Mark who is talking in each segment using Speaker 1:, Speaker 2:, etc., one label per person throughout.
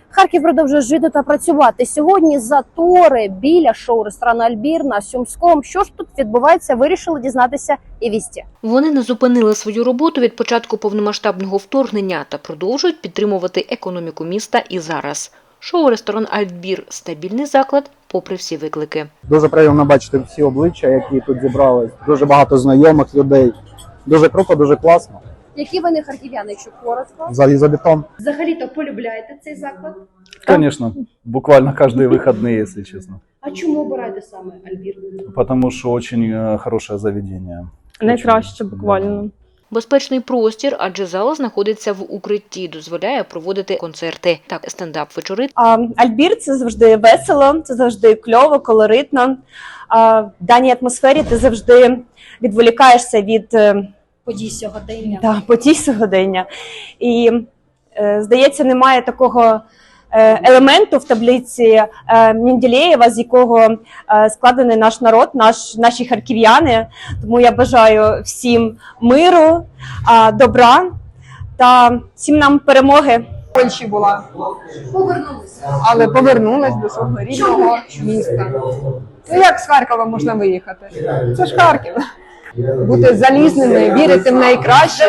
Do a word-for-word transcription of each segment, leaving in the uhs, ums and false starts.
Speaker 1: Харків продовжує жити та працювати. Сьогодні затори біля шоу-ресторану «Альбір» на Сумському. Що ж тут відбувається, вирішили дізнатися і «Вісті».
Speaker 2: Вони не зупинили свою роботу від початку повномасштабного вторгнення та продовжують підтримувати економіку міста і зараз. Шоу-ресторан «Альбір» – стабільний заклад, попри всі виклики.
Speaker 3: Дуже приємно бачити всі обличчя, які тут зібрались. Дуже багато знайомих людей. Дуже круто, дуже класно.
Speaker 1: Які ви не харків'яни, якщо коротко?
Speaker 3: Залізобетон.
Speaker 1: Взагалі-то полюбляєте цей заклад?
Speaker 4: Конечно, буквально каждые выходные, если честно.
Speaker 1: А чому обираєте саме «Альбір»?
Speaker 4: Потому что очень э, хорошее заведение.
Speaker 5: Найкраще буквально.
Speaker 2: Безпечний простір, адже зала знаходиться в укритті, дозволяє проводити концерти та стендап-вечори.
Speaker 5: А, Альбір – це завжди весело, це завжди кльово, колоритно. А, в даній атмосфері ти завжди відволікаєшся від
Speaker 1: Подій сьогодення.
Speaker 5: да, подій сьогодення. І, е, здається, немає такого е, елементу в таблиці е, Менделєєва, з якого е, складений наш народ, наш, наші харків'яни. Тому я бажаю всім миру, е, добра та всім нам перемоги.
Speaker 6: В Польщі була,
Speaker 1: Повернулися.
Speaker 6: але повернулась до свого рідного міста. Ну як з Харкова можна виїхати? Це ж Харків. Бути залізними, вірити в найкраще.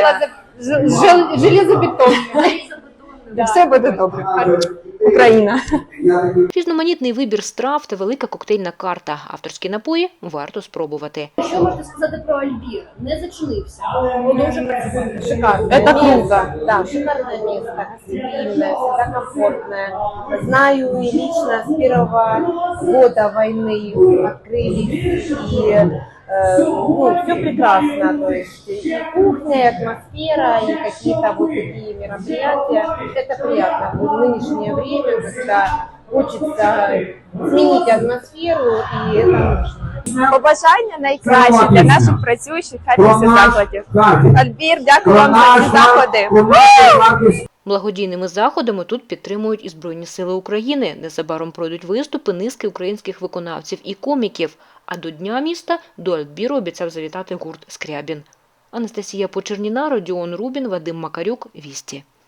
Speaker 6: Железобетон. І все буде добре. Україна.
Speaker 2: Різноманітний вибір страв та велика коктейльна карта. Авторські напої варто спробувати.
Speaker 1: Що можете сказати про «Альбір»? Не зачинився. Продовжує працювати. Шикарно.
Speaker 6: Это круто.
Speaker 7: Да, шикарное место, гостеприимное, всегда комфортное. Знаю и лично с первого года войны открылись, и э, ну, все прекрасно, то есть и кухня, и атмосфера, и какие-то вот такие мероприятия. Это приятно в нынешнее время, когда хочется сменить атмосферу, и это нужно.
Speaker 5: Побажання найкраще для наших працюючих харківських закладів. Альбір, дякую вам за ці заходи.
Speaker 2: Благодійними заходами тут підтримують і Збройні сили України. Незабаром пройдуть виступи низки українських виконавців і коміків. А до Дня міста до «Альбіру» обіцяв завітати гурт «Скрябін». Анастасія Почерніна, Родіон Рубін, Вадим Макарюк, «Вісті».